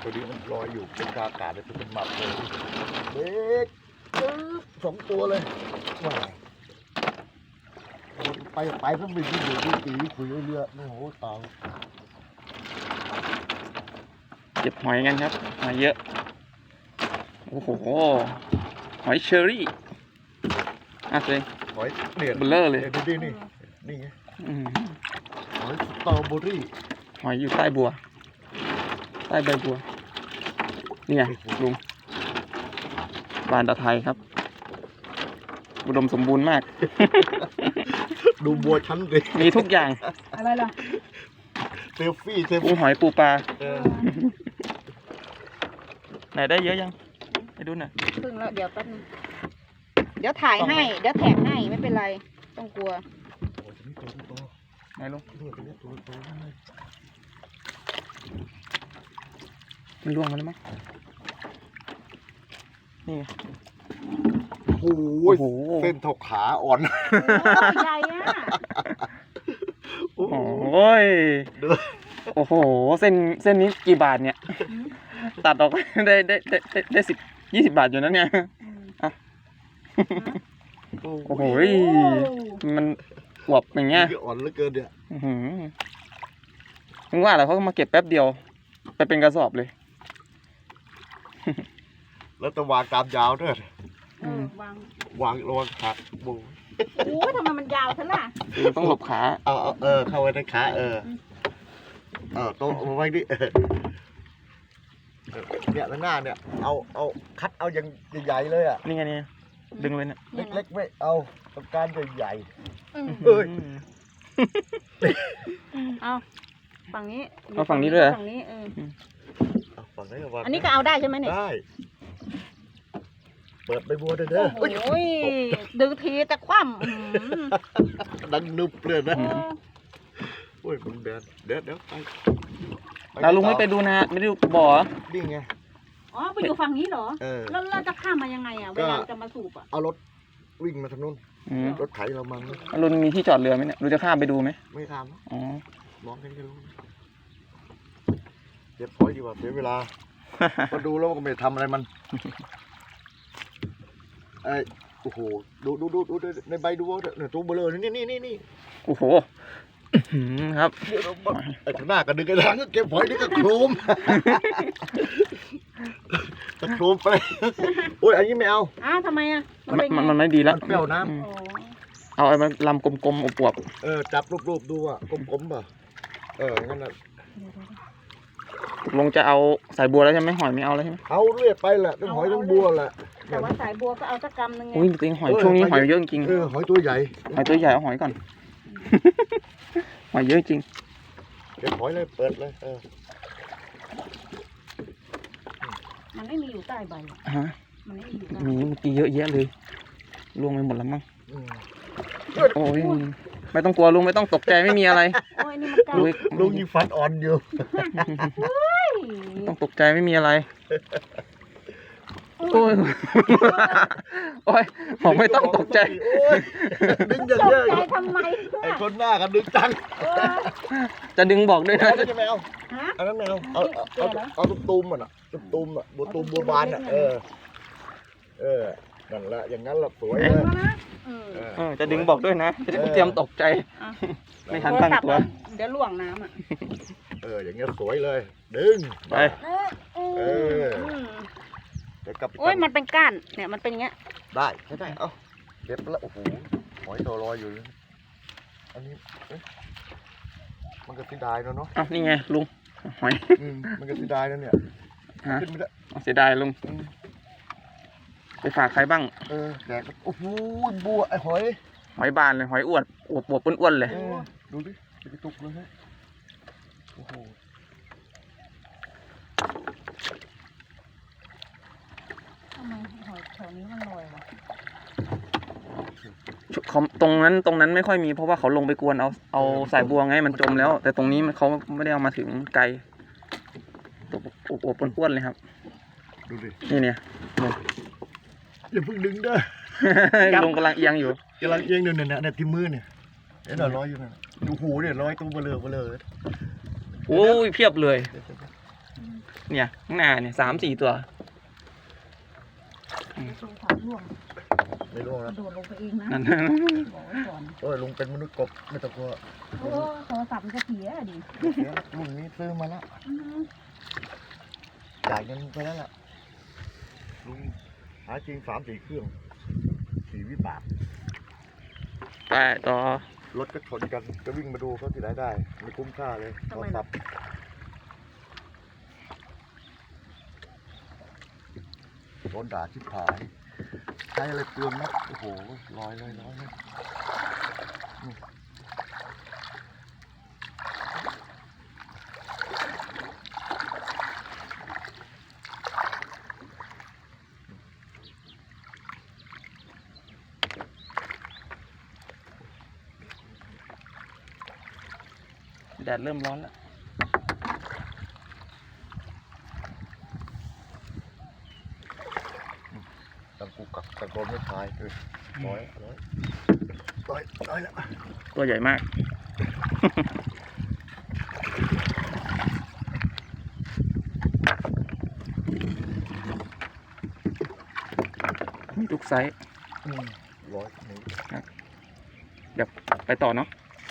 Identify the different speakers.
Speaker 1: ตัวนี้มันลอยอยู่เป็นอากาศเลยเป็นหมับเลยเด็ก2 ตัวเลยว้ายไปก็ไม่ดีอยู่ดีคุยเรือโอ้โหตาย
Speaker 2: เก็บหอยกันครับหอยเยอะโอ้โหหอยเชอรี่เลย
Speaker 1: หอยเนี่ย
Speaker 2: เบลเลอร์เลย
Speaker 1: นี่ไง
Speaker 2: อืม
Speaker 1: หอยสตรอเบอรี่
Speaker 2: หอยอยู่ใต้บัวใต้ใบบัวนี่ไงลุงบานตะไทยครับอุดมสมบูรณ์มาก
Speaker 1: ดูบัวชั้นดิ
Speaker 2: มีทุกอย่าง
Speaker 3: อะไรล่ะ
Speaker 1: เซลฟี่
Speaker 2: ปูหอยปูปลา
Speaker 1: เออ
Speaker 2: ไหนได้เยอะยังไปดูหน่อย
Speaker 3: พึ่งแล้วเดี๋ยวแป๊บนึงเดี๋ยวถ่ายให้เดี๋ยวแท็กให้ไม่เป็นไรต้องกลัว
Speaker 1: โอ้ยนี่ตัว
Speaker 2: ไหนลุง
Speaker 1: นี่ตัวนี้ตัว
Speaker 2: มันล่วงมาแล้วมั้งนี่ไง
Speaker 1: โอ้
Speaker 2: โอ้
Speaker 1: ย
Speaker 2: โห
Speaker 1: เส้นเท่าขาอ่อน
Speaker 3: ใหญ่อะ
Speaker 2: โอ้ยโอ้โหเส้นนี้กี่บาทเนี่ย ตัดออกได้10-20 บาทอยู่นะเนี่ย โอ้โหมันอวบอย่างเงี้ย
Speaker 1: อ่อนเหลือเกินเนี่ย
Speaker 2: ถึงว่าแหละเขามาเก็บแป๊บเดียวไปเป็นกระสอบเลย
Speaker 1: แล้วตะวางตามยาวด้วย
Speaker 3: วาง
Speaker 1: วางระวังขาบู
Speaker 3: โอ้ยทำไมมันยาวซะล่ะ
Speaker 2: ต้องหลบขา
Speaker 1: เอาเข้าไว้ในขาโต๊ะเอาไว้ดิเนี่ยหน้าเนี่ยเอาคัดเอาอย่างใหญ่ๆเลยอ่ะ
Speaker 2: นี่ไงเนี่ยดึงเลยเนี่ย
Speaker 1: เล็กๆไม่เอาต้องการใหญ่
Speaker 2: เอ้ย
Speaker 3: เอาฝั่งนี้
Speaker 2: เอาฝั่งนี้ด้วยเหรอ
Speaker 3: ฝั่งนี้
Speaker 1: ๆฝั่งไหนก็วาง
Speaker 3: อันนี้ก็เอาได้ใช่ไหมเนี่ย
Speaker 1: ได้เปิดใบบัวด้วยเด้อ
Speaker 3: โอ้ยดึงทีแต่คว่ำ
Speaker 1: ดังนึบเลยนะโอ้ยมันเดี๋ยวไป
Speaker 2: แล้วลุงไม่ไปดูนะไม่ได้ดูบ่อ
Speaker 1: นี่ไง
Speaker 3: อ๋อไปอยู่ฝั่งนี้เหรอ
Speaker 1: เออ
Speaker 3: แล้วเราจะข้ามมายังไงอ่ะเวลาจะมาสูบอ่ะ
Speaker 1: เอารถวิ่งมาทางนู้นรถไถเรามัน
Speaker 2: ลุงมีที่จอดเรือไหมเนี่ยลุงจะข้ามไปดูไหม
Speaker 1: ไม่ท
Speaker 2: อ๋อ
Speaker 1: ำมองแค่นี้ก็รู้เก็บพอยดีกว่าเสียเวลาพอดูแล้วก็ไม่ทำอะไรมันไอ้โอ้โหดูในใบดูเนี่ยตัวเบลอนี่
Speaker 2: โอ้โหครับ
Speaker 1: ไอ้ข้างหน้าก็ดึงกระดังก็เก็บพอยนี่ก็โครมตะโครมไปโอ้ยอันนี้ไม่เอา
Speaker 3: อ้าวทำไมอ่ะเป็นไง
Speaker 2: มันไม่ดีแล้ว
Speaker 1: มันเปรี้ยวน้
Speaker 3: โอ้
Speaker 2: เอาไอ้มันลำกลมๆอวบ
Speaker 1: จับรูปดูอ่ะกลมๆป่ะงั้นน่ะ
Speaker 2: ๆลุงจะเอาสายบัวแล้วใช่ไหมหอยไม่เอาแล้วใช่ไหม
Speaker 1: เอาเรื่อยไปแหละทั้งหอยทั้งบัวแหละ
Speaker 3: แต่ว่าสายบัวก็เอาสักกำนึงไง
Speaker 2: อุ้ยจริงหอยช่วงนี้หอยเยอะจริง
Speaker 1: หอยตัวใหญ่
Speaker 2: หอยตัวใหญ่เอาหอยก่อน หอยเยอะจริง
Speaker 1: เก็บหอยเลยเปิดเลย
Speaker 3: มันไม่มีอยู่ใต้ใบ
Speaker 2: ฮะ
Speaker 3: มันไม่มีอยู่ใต้
Speaker 2: มีเมื่อกี้เยอะแยะเลยล่วงไปหมดแล้วมั้ง
Speaker 1: อืม
Speaker 2: โอ้ยไม่ต้องกลัวลุงไม่ต้องตกใจไม่มีอะไร
Speaker 3: โอ้ยนี่มันใกล้
Speaker 1: ลุงยิงฟันอ่อนอยู่
Speaker 2: ไม่ต้องตกใจไม่มีอะไรโอ้ยโอ้ยผมไม่ต้องตกใจ
Speaker 1: โอ้ยดึงอย่าง
Speaker 3: ตก
Speaker 1: เยอะ
Speaker 3: ใจทำไม
Speaker 1: ไอ้คนหน้ากันดึงจัง
Speaker 2: จะดึงบอกด้วยนะ
Speaker 1: เอาจะไม่เอา
Speaker 3: ฮะ
Speaker 1: อันนั้นไม่เอาเอาตุ้มๆอ่ะตุ้มบัวตูมบัวบานอ่ะนั่นแหละอย่างนั้นแหละสวยเลย
Speaker 2: จะดึงบอกด้วยนะจะได้เตรียมตกใจไม่ทันตั้งตัว
Speaker 3: เดี๋ยวล่วงน้ำอ่ะ
Speaker 1: อย่างเงี้ยสวยเลยดึง
Speaker 2: ไป
Speaker 1: เดี๋ยวกลับ
Speaker 3: โอ้ยมันเป็นก้านเนี่ยมันเป็นอย่างเงี้ย
Speaker 1: ได้เอาเก็บแล้วโอ้โหหอยตัวลอยอยู่อันนี้มันก็เสียดายเนาะ
Speaker 2: อ้าวนี่ไงลุงหอย
Speaker 1: มันก็เสียดายนะเนี่ยขึ้นไม่ได้
Speaker 2: เสียดายลุงไปฝากใครบ้าง
Speaker 1: แดกโอ้โหบัวไอ้หอย
Speaker 2: หอยบานเลยหอยอวดอ้วนๆเลย
Speaker 1: ดูดิไปตุกเลยฮะโอ้โห
Speaker 3: ทำไมหอยแถวนี้มันลอยวะ
Speaker 2: ตรงนั้นไม่ค่อยมีเพราะว่าเขาลงไปกวนเอาสายบัวไงมันจมแล้ว แต่ตรงนี้เขาไม่ได้เอามาถึงไกลตัวอ้วนๆเลยครับ
Speaker 1: ดูดิ
Speaker 2: นี่เนี่ย
Speaker 1: อย่าเพิ่งดึงเด้อ
Speaker 2: ลุงกำลังเอียงอยู่
Speaker 1: กำลังเอียงอยู่เนี่ยที่มือเนี่ยเห็นลอยอยู่เนี่ยดูหูเนี่ยลอยตรงเบลอ
Speaker 2: โอ้ยเพียบเลยเนี่ยข้างหน้าเนี่ย3-4 ตัว
Speaker 3: ตรงขาล่วง
Speaker 1: ไม่รู้
Speaker 3: ก
Speaker 1: นะ
Speaker 3: ระโดดลงไปเองนะ
Speaker 2: นั่น
Speaker 3: บอกไว้ก่อน
Speaker 1: โอ้ยลุงเป็นมนุษย์กบไม่ต้องกลัว
Speaker 3: โอ้โทรศัพท์มันจะเสียดิ
Speaker 1: เสียแล้วลุงนี้ซื้อมาแล้ว
Speaker 3: อืม
Speaker 1: จ่ายเงินไปแล้วล่ะลุงหาจริง3-4 เครื่อง4 วิบาก
Speaker 2: ไปต่อ
Speaker 1: รถก็ชนกันจะวิ่งมาดูเขาที่ไหนได้ไม่คุ้มค่าเลยโทรศัพท์โดนด่าชิบหายใช้อะไรเปลืองนะโอ้โหลอยเลยนะ
Speaker 2: แดดเริ่มร้อนแล้ว
Speaker 1: ตังกูกักตะโกนไม่ทายร้อยแล้ว
Speaker 2: ตัวใหญ่มาก มีทุกไซส์
Speaker 1: ร้อยหนึ่ง
Speaker 2: เดี๋ยวไปต่อเนาะ